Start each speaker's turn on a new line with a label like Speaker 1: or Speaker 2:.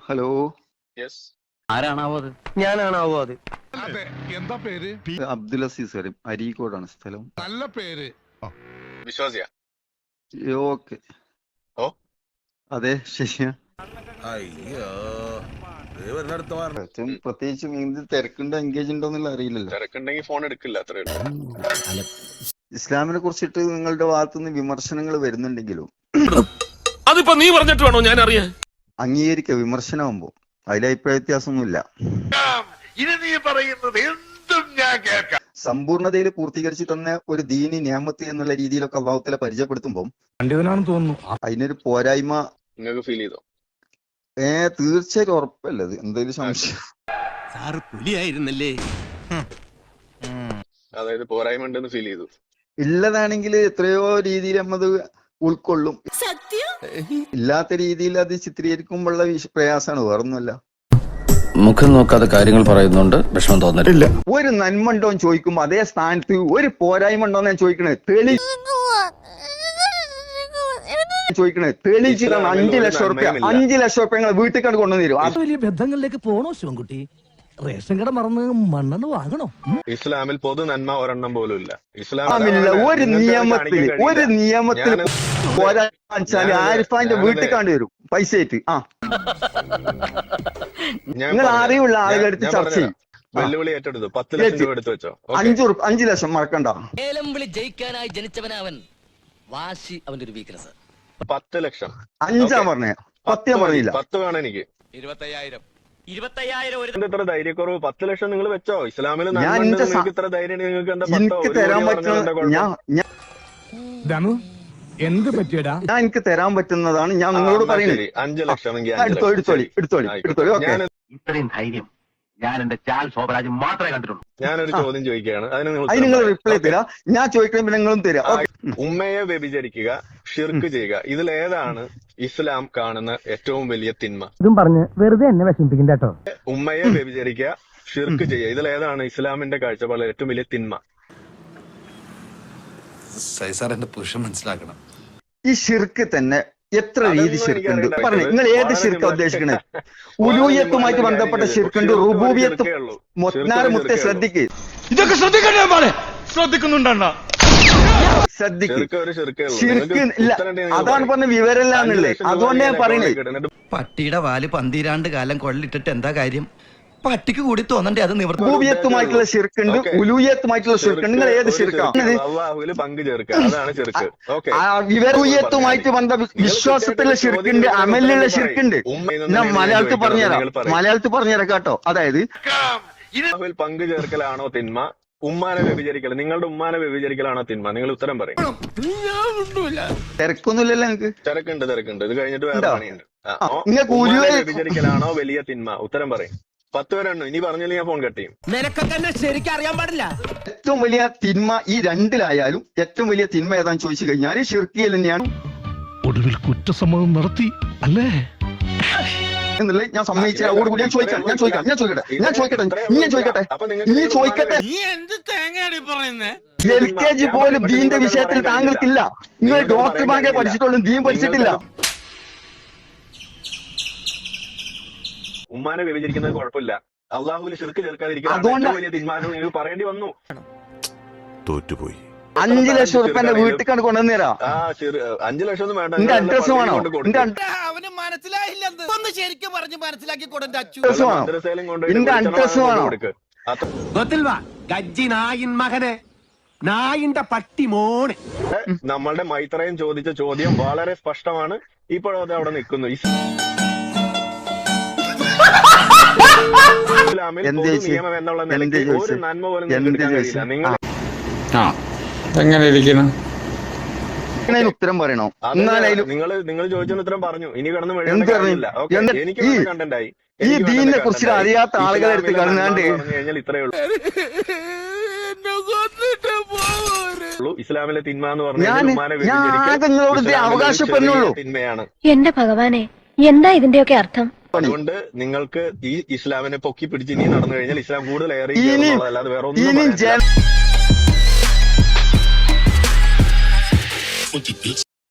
Speaker 1: Hello.
Speaker 2: Yes.
Speaker 3: ആരാണാവോ അത്?
Speaker 4: ഞാനാണാവോ അത്?
Speaker 5: അതെ. എന്താ പേര്?
Speaker 1: അബ്ദുൽ അസീസ് കരീം, അരീക്കോടാണ് സ്ഥലം.
Speaker 5: നല്ല പേര്.
Speaker 2: വിശ്വാസിയ?
Speaker 1: ഓക്കെ.
Speaker 2: ഓ
Speaker 1: അതെ, ശരിയാ.
Speaker 6: അയ്യോ
Speaker 1: പ്രത്യേകിച്ചും എന്ത് തിരക്കുണ്ടോ എൻഗേജ് ഉണ്ടോ എന്നുള്ള അറിയില്ലല്ലോ.
Speaker 2: തിരക്കുണ്ടെങ്കിൽ ഫോൺ എടുക്കില്ല, അത്രേ ഉള്ളൂ.
Speaker 1: ഇസ്ലാമിനെ കുറിച്ചിട്ട് നിങ്ങളുടെ ഭാഗത്തുനിന്ന് വിമർശനങ്ങൾ വരുന്നുണ്ടെങ്കിലും
Speaker 6: അതിപ്പോ നീ പറഞ്ഞിട്ട് വേണോ ഞാൻ അറിയാൻ?
Speaker 1: അംഗീകരിക്കുക വിമർശനമാകുമ്പോ അതിൽ അഭിപ്രായ വ്യത്യാസമൊന്നുമില്ല.
Speaker 5: ഇനി നീ പറയുന്നത് എന്തും ഞാൻ കേൾക്കാം.
Speaker 1: സമ്പൂർണതയിൽ പൂർത്തീകരിച്ച് തന്ന ഒരു ദീനി നിയമത്ത് എന്നുള്ള രീതിയിലൊക്കെ അള്ളാഹുത്തല പരിചയപ്പെടുത്തുമ്പോൾ
Speaker 4: തോന്നുന്നു
Speaker 1: അതിനൊരു പോരായ്മ
Speaker 2: നിങ്ങൾക്ക് ഫീൽ ചെയ്തോ?
Speaker 1: തീർച്ചയായിട്ടും ഉറപ്പല്ല. അത് എന്തെങ്കിലും സംശയം
Speaker 3: സാറ് പുലിയായിരുന്നല്ലേ?
Speaker 2: അതായത് പോരായ്മ ഉണ്ടെന്ന് ഫീൽ ചെയ്തു.
Speaker 1: ഉള്ളതാണെങ്കിൽ എത്രയോ രീതിയിൽ നമ്മത് ഉൾക്കൊള്ളും. ഇല്ലാത്ത രീതിയിൽ അത് ചിത്രീകരിക്കുമ്പോഴുള്ള പ്രയാസമാണ്, വേറൊന്നുമല്ല.
Speaker 3: മുഖം നോക്കാതെ കാര്യങ്ങൾ പറയുന്നുണ്ട്, വിഷമം തോന്നലില്ല.
Speaker 1: ഒരു നന്മ ഉണ്ടോന്ന് ചോദിക്കുമ്പോ അതേ സ്ഥാനത്ത് ഒരു പോരായ്മ ഉണ്ടോന്ന് ഞാൻ ചോദിക്കണേ. തെളിയിച്ചിട്ടാണ് 5 ലക്ഷം റുപ്യ 5 ലക്ഷം റുപ്യ നിങ്ങൾ വീട്ടിൽ കണ്ട് കൊണ്ടുവന്നു തരും.
Speaker 4: വലിയ ബന്ധങ്ങളിലേക്ക് പോണോ ശിവൻകുട്ടി? റേഷൻ കട മറന്ന് മണ്ണെണ്ണ വാങ്ങണോ?
Speaker 2: ഇസ്ലാമിൽ പൊതു നന്മ ഒരെണ്ണം പോലും ഇല്ല.
Speaker 1: ഒരു നിയമത്തിൽ പോരാച്ചാല് ആരിഫാന്റെ വീട്ടിൽ കണ്ടു വരും പൈസ ആയിട്ട്. നിങ്ങൾ അറിവുള്ള ആളുകളെടുത്ത് ചർച്ച ചെയ്യും.
Speaker 2: വെല്ലുവിളി ഏറ്റെടുത്തു. 10 ലക്ഷം രൂപ എടുത്തു വെച്ചോ.
Speaker 1: 5 ലക്ഷം മറക്കണ്ട.
Speaker 7: ഏലം വിളി ജയിക്കാനായി ജനിച്ചവനവൻ. വാശി അവന്റെ ഒരു വീക്ക്നെസ്.
Speaker 2: 10 ലക്ഷം
Speaker 1: 5 പറഞ്ഞേ, 10 പറഞ്ഞില്ല.
Speaker 2: 10 വേണം എനിക്ക്.
Speaker 7: 25,000
Speaker 2: ഇത്ര ധൈര്യക്കുറവ്? 10 ലക്ഷം നിങ്ങൾ വെച്ചോ. ഇസ്ലാമിൽ ഇത്ര ധൈര്യം നിങ്ങൾക്ക് എന്താ?
Speaker 1: എനിക്ക് തരാൻ പറ്റുന്ന
Speaker 4: എന്ത് പറ്റിയടാ?
Speaker 1: ഞാൻ എനിക്ക് തരാൻ പറ്റുന്നതാണ് ഞാൻ നിങ്ങളോട് പറയുന്നത്.
Speaker 2: 5 ലക്ഷം
Speaker 1: എടുത്തോളി.
Speaker 3: ഇത്രയും ധൈര്യം ഞാൻ എന്റെ ചാൽ ശോഭരാജ് മാത്രമേ കണ്ടിട്ടുള്ളൂ.
Speaker 2: ഞാനൊരു ചോദ്യം ചോദിക്കുകയാണ്, അതിന്
Speaker 1: നിങ്ങൾ റിപ്ലൈ തരാം. ഞാൻ ചോദിക്കുമ്പോൾ നിങ്ങളും തരാം.
Speaker 2: ഉമ്മയെ വ്യഭിചരിക്കുക, ഷിർക്ക് ചെയ്യുക, ഇതിലേതാണ് ഇസ്ലാം കാണുന്ന ഏറ്റവും വലിയ തിന്മ?
Speaker 4: ഇതും പറഞ്ഞ് വെറുതെ എന്നെ വിഷമിപ്പിക്കണ്ട കേട്ടോ.
Speaker 2: ഉമ്മയെ വ്യഭിചരിക്കുക, ഷിർക്ക് ചെയ്യുക, ഇതിലേതാണ് ഇസ്ലാമിന്റെ കാഴ്ചപ്പാടിൽ ഏറ്റവും വലിയ തിന്മ?
Speaker 6: എന്റെ പുരുഷൻ മനസ്സിലാക്കണം.
Speaker 1: ഈ ഷിർക്ക് തന്നെ എത്ര രീതി ഷിർക്കുണ്ട് പറഞ്ഞു. നിങ്ങൾ ഏത് ഷിർക്ക ഉദ്ദേശിക്കണേ? ഉലൂഹിയത്തുമായിട്ട് ബന്ധപ്പെട്ട ഷിർക്കുണ്ട്, റുബൂബിയത്തും. മുത്തേ ശ്രദ്ധിക്ക്,
Speaker 4: ഇതൊക്കെ ശ്രദ്ധിക്കുന്നുണ്ടോ?
Speaker 1: ഷിർക്ക് ഇല്ല, അതാണ് പറഞ്ഞ വിവരമില്ലാന്നുള്ളേ. അതുകൊണ്ട് ഞാൻ പറയണേ,
Speaker 3: പട്ടിയുടെ വാല് 12 കാലം കൊള്ളിട്ടിട്ട് എന്താ കാര്യം? പട്ടിക്ക് കൂടി തോന്നണ്ടേ അത് നിവർത്തി.
Speaker 1: റുബൂബിയത്തുമായിട്ടുള്ള ഷിർക്കുണ്ട്, ഉലൂഹിയത്തുമായിട്ടുള്ള ഷിർക്കുണ്ട്. നിങ്ങൾ ഏത് ഷിർക്കാണ്?
Speaker 2: പങ്കു ചേർക്കുക, അതാണ് ഷിർക്ക്.
Speaker 1: വിവരൂഹിയത്തുമായിട്ട് ബന്ധ വിശ്വാസത്തിലുള്ള ഷിർക്കുണ്ട്, അമലിലുള്ള ഷിർക്കുണ്ട്. ഞാൻ മലയാളത്തിൽ പറഞ്ഞുതരാം കേട്ടോ. അതായത്
Speaker 2: പങ്കു ചേർക്കലാണോ തിന്മ? ഉമ്മാനെ വ്യഭിചരിക്കൽ, നിങ്ങളുടെ ഉമ്മാനെ വ്യഭിചരിക്കലാണോ തിന്മ? നിങ്ങൾ ഉത്തരം പറയും.
Speaker 1: തിരക്കൊന്നുമില്ലല്ലോ നിങ്ങൾക്ക്?
Speaker 2: തിരക്കുണ്ട്. ഇത് കഴിഞ്ഞിട്ട് വേറെ പണിയുണ്ട്. വ്യഭിചരിക്കലാണോ വലിയ തിന്മ? ഉത്തരം പറയും. 10 വരെ എണ്ണു. ഇനി പറഞ്ഞാൽ ഞാൻ ഫോൺ കട്ട് ചെയ്യും.
Speaker 4: നിനക്കൊക്കെ എന്നെ ശരിക്കും അറിയാൻ പാടില്ല.
Speaker 1: ഏറ്റവും വലിയ തിന്മ ഈ രണ്ടിലായാലും ഏറ്റവും വലിയ തിന്മ ഏതാന്ന് ചോദിച്ചു കഴിഞ്ഞാൽ ഷിർക്കിയൽ തന്നെയാണ്.
Speaker 5: ഒടുവിൽ കുറ്റസമ്മതം നടത്തി അല്ലേ
Speaker 1: എന്നുള്ളത് ഞാൻ സമ്മതിച്ച അതോടുകൂടി ഞാൻ ചോദിക്കട്ടെ. LKG പോലും ദീന്റെ വിഷയത്തിൽ താങ്കൾക്കില്ല. നിങ്ങൾ ഡോക്ടർ ബാങ്കെ പഠിച്ചിട്ടുള്ളൂ, ദീൻ പഠിച്ചിട്ടില്ല.
Speaker 2: ഉമ്മാനെ വ്യഭിചരിക്കുന്നത് കുഴപ്പമില്ല, അള്ളാഹുവിൽ ഷിർക്ക് ചേർക്കാതിരിക്കുന്നത് വലിയ തീരുമാനം നിങ്ങൾക്ക് പറയേണ്ടി വന്നു.
Speaker 6: തോറ്റുപോയി.
Speaker 1: 5 ലക്ഷം റുപ്യന്റെ വീട്ടിൽ കണ്ട് കൊണ്ടുവന്നേരാ.
Speaker 2: 5 ലക്ഷം ഒന്നും വേണ്ട.
Speaker 1: എന്റെ അഡ്രസ് വേണോ?
Speaker 4: അവന് മനസ്സിലായില്ലെന്ന് ഒന്ന് ശരിക്കും പറഞ്ഞ് മനസ്സിലാക്കി കൊടുത്ത
Speaker 1: എന്റെ അഡ്രസ് വേണോ?
Speaker 4: മകനെ നായിന്റെ പട്ടി മോനെ.
Speaker 2: നമ്മളുടെ മൈത്രയും ചോദിച്ച ചോദ്യം വളരെ സ്പഷ്ടമാണ്. ഇപ്പോഴും അത് അവിടെ നിൽക്കുന്നു. ഇസ്ലാമിൽ നിയമം എന്നുള്ള നിലയ്ക്ക് ഒരു നന്മ പോലും കഴിയില്ല. നിങ്ങൾ
Speaker 8: എങ്ങനെ ഇരിക്കണം?
Speaker 1: ഉത്തരം പറയണോ?
Speaker 2: നിങ്ങൾ ചോദിച്ചതിന് ഉത്തരം പറഞ്ഞു. ഇനി കിടന്ന് എനിക്ക് കണ്ടന്റായി.
Speaker 1: ഈ ദീനിനെ കുറിച്ച് അറിയാത്ത ആളുകളെ എടുത്ത് കാണാണ്ട്
Speaker 2: കഴിഞ്ഞാൽ ഇത്രയേ ഉള്ളൂ. ഇസ്ലാമിലെ തിന്മ എന്ന് പറഞ്ഞാൽ അവകാശപ്പെടുന്നുള്ളൂ തിന്മയാണ്.
Speaker 9: എന്റെ ഭഗവാനെ, എന്താ ഇതിന്റെയൊക്കെ അർത്ഥം?
Speaker 2: അതുകൊണ്ട് നിങ്ങൾക്ക് ഈ ഇസ്ലാമിനെ പൊക്കി പിടിച്ച് ഇനി നടന്നു കഴിഞ്ഞാൽ ഇസ്ലാം കൂടുതൽ ഏറെ അല്ലാതെ വേറെ ഒന്നും